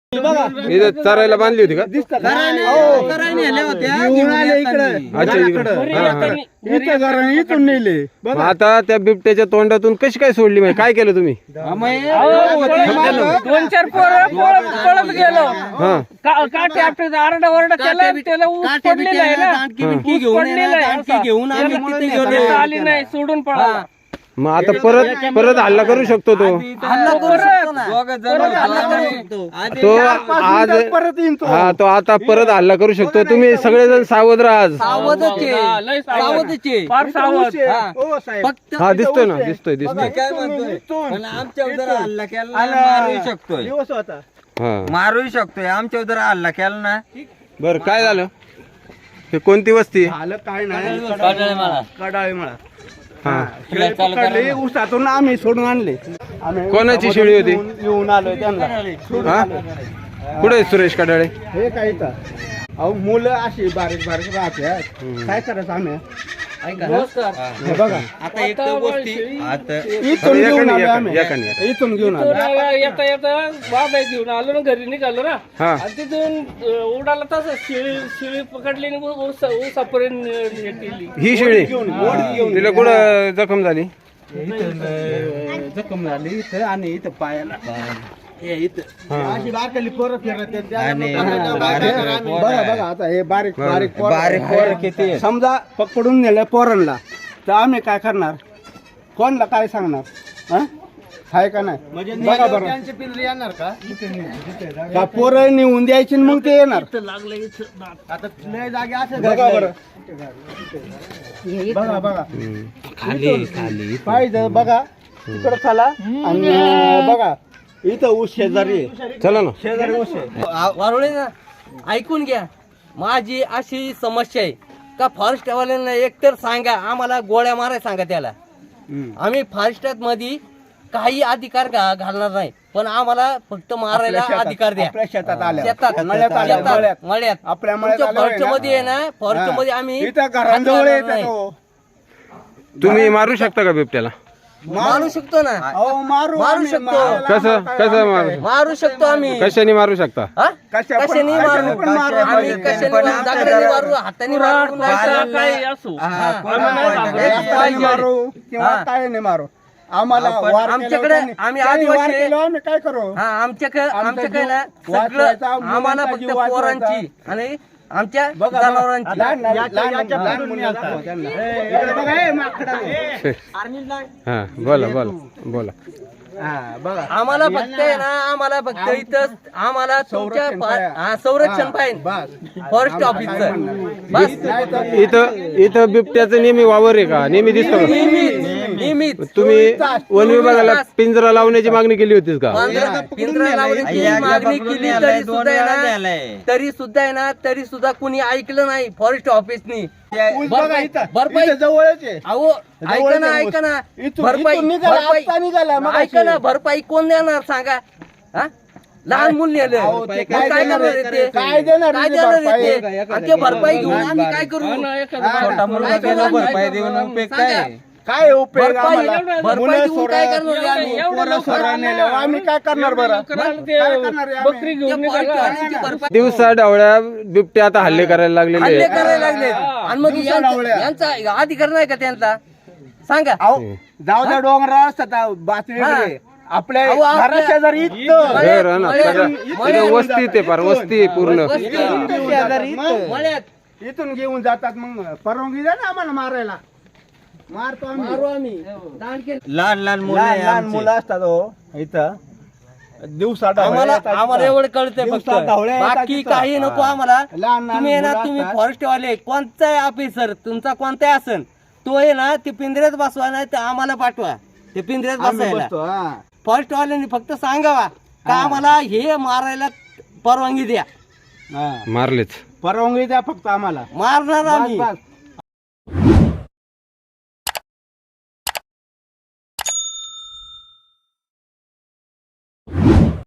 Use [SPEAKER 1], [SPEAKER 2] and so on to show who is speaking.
[SPEAKER 1] इथे चरायला बांधली होती का?
[SPEAKER 2] इथून नेले.
[SPEAKER 1] मग आता त्या बिबट्याच्या तोंडातून कशी काय सोडली? म्हणजे काय केलं तुम्ही?
[SPEAKER 3] 2-4 पळत गेलो. काटे आपले आरडा ओरडा केला, त्याला ऊस पडलेला आहे ना, ऊस पडलेला आहे
[SPEAKER 2] घेऊन आम्ही
[SPEAKER 3] आली नाही, सोडून पळाला.
[SPEAKER 1] मग आता परत हल्ला करू शकतो तो तो आज हा तो आता परत हल्ला करू शकतो. तुम्ही सगळेजण सावध राहा.
[SPEAKER 3] फार सावध.
[SPEAKER 1] हा दिसतोय ना, दिसतोय
[SPEAKER 2] काय म्हणतोय पण आमच्यावर जर हल्ला केला मारू शकतोय, मारू शकतोय. आमच्यावर जर हल्ला केला ना.
[SPEAKER 1] बर काय झालं? हे कोणती वस्ती?
[SPEAKER 2] झालं काय नाही, कडाळे मला ऊसातून आम्ही सोडून आणले.
[SPEAKER 1] कोणाची शेळी होती?
[SPEAKER 2] येऊन आलोय त्यांना.
[SPEAKER 1] हा कुठे सुरेश कडाळे?
[SPEAKER 2] हे काय अहो मुलं अशी बारीक बारीक राहते, काय करायचं आम्ही? हे बघा
[SPEAKER 3] आता एक गोष्टी
[SPEAKER 2] इथून घेऊन आलो आम्ही, इथून घेऊन आलो.
[SPEAKER 3] येता येता बाबा घेऊन आलो ना, घरी निघालो ना,
[SPEAKER 1] हा
[SPEAKER 3] आणि तिथून उडाला तसं शिळी पकडली आणि ऊसापर्यंत केली.
[SPEAKER 1] ही शेळी तिला कुठं जखम झाली?
[SPEAKER 2] जखम झाली इथं आणि इथं पायाला. अशी बारकाली पोरं फिरत बघा बघा. आता हे बारीक बारीक पोरं किती समजा पकडून नेलं पोरांना, तर आम्ही काय करणार? कोणला काय सांगणार? हाय का नाही? बघा बरं, पिंजरे येणार का पोरं नेऊन द्यायची मग ते येणार. आता लय जागे असं बघा बरं, बघा बघा खाली खाली पाहिजे बघा. तिकडं चला आणि बघा इथं ऊस शेजारी,
[SPEAKER 1] चला ना
[SPEAKER 2] शेजारी ऊस
[SPEAKER 4] वारुळे ना, ऐकून घ्या. माझी अशी समस्या आहे का फॉरेस्ट वाल्यांना एकतर सांगा, आम्हाला गोळ्या मारायला सांगा त्याला. आम्ही फॉरेस्टात मध्ये काही अधिकार घालणार नाही, पण आम्हाला फक्त मारायला अधिकार द्या.
[SPEAKER 2] शेतात आल्या,
[SPEAKER 4] शेतात मळ्यात
[SPEAKER 2] आपल्या
[SPEAKER 4] फॉरेस्ट मध्ये आहे ना, फॉरेस्ट मध्ये आम्ही
[SPEAKER 1] तुम्ही मारू शकता का बिबट्याला?
[SPEAKER 4] मारू शकतो ना, मारू शकतो.
[SPEAKER 1] कसं कसं
[SPEAKER 4] मारू शकतो आम्ही.
[SPEAKER 1] कशाने मारू शकता?
[SPEAKER 4] कशाने मारू? आम्ही कशाने दगडाने मारू, हाताने मारू,
[SPEAKER 3] काही असो,
[SPEAKER 2] मारू किंवा काय नाही मारू. आम्हाला
[SPEAKER 4] आमच्याकडे आम्ही आदिवासी
[SPEAKER 2] आम्ही काय करू?
[SPEAKER 4] हा आमच्याकडे ना सगळं आम्हाला फक्त पोरांची आणि आमच्या जनावरांची.
[SPEAKER 1] हा बोला बोला बोला.
[SPEAKER 4] आम्हाला फक्त आहे ना, आम्हाला फक्त इथं आम्हाला तुमच्या संरक्षण पाहिजे फॉरेस्ट ऑफिसचं बस.
[SPEAKER 1] इथं बिबट्याचं नेहमी वावर आहे का? नेहमी दिसतो का?
[SPEAKER 4] नियमित.
[SPEAKER 1] तुम्ही वन विभागाला पिंजरा लावण्याची मागणी केली होतीस का?
[SPEAKER 4] पिंजरा लावण्याची मागणी केली तरी सुद्धा आहे ना, तरी सुद्धा कुणी ऐकलं नाही फॉरेस्ट ऑफिसनी. भरपाई
[SPEAKER 2] जवळच आहे.
[SPEAKER 4] अहो ऐका ना ऐका ना, भरपाई कोण देणार सांगा? हा लहान मुल नेलं काय करणार ते?
[SPEAKER 2] काय देणार
[SPEAKER 4] ते भरपाई घेऊन आम्ही काय करू?
[SPEAKER 2] भरपाई देऊन उपयोग काय उपयोग?
[SPEAKER 4] भरपाई देऊन काय करणार?
[SPEAKER 2] आम्ही काय करणार बरं?
[SPEAKER 3] बकरी घेऊन
[SPEAKER 1] दिवसा डावळ्या बिबट्या आता हल्ले करायला लागलेले
[SPEAKER 4] हल्ले
[SPEAKER 1] आहेत.
[SPEAKER 4] करायला लागले आणि मग यांचा अधिकार नाही का त्यांचा? सांगा.
[SPEAKER 2] जाऊ द्या, डोंगरा असतात बातमी आपल्या घराशेजारी
[SPEAKER 1] घर आहे ना, सगळं वस्ती ते फार वस्ती पूर्ण.
[SPEAKER 2] इथून घेऊन जातात. मग परवानगी द्या ना आम्हाला मारायला. मारतो आम्ही.
[SPEAKER 4] लहान
[SPEAKER 2] लहान मुलं असतात इथं. दिवसा
[SPEAKER 4] आम्हाला एवढं कळतंय फक्त, बाकी काही नको आम्हाला. तुम्ही ना, तुम्ही फॉरेस्ट वाले कोणताही ऑफिसर तुमचा कोणताही असेल, तो आहे ना ते पिंजऱ्यात बसवा, नाही तर आम्हाला पाठवा ते पिंजऱ्यात बसायला. फॉरेस्ट वाल्यांनी फक्त सांगावा का आम्हाला हे मारायला परवानगी द्या.
[SPEAKER 1] मारलेच
[SPEAKER 2] परवानगी द्या फक्त आम्हाला.
[SPEAKER 4] मारणार आम्ही.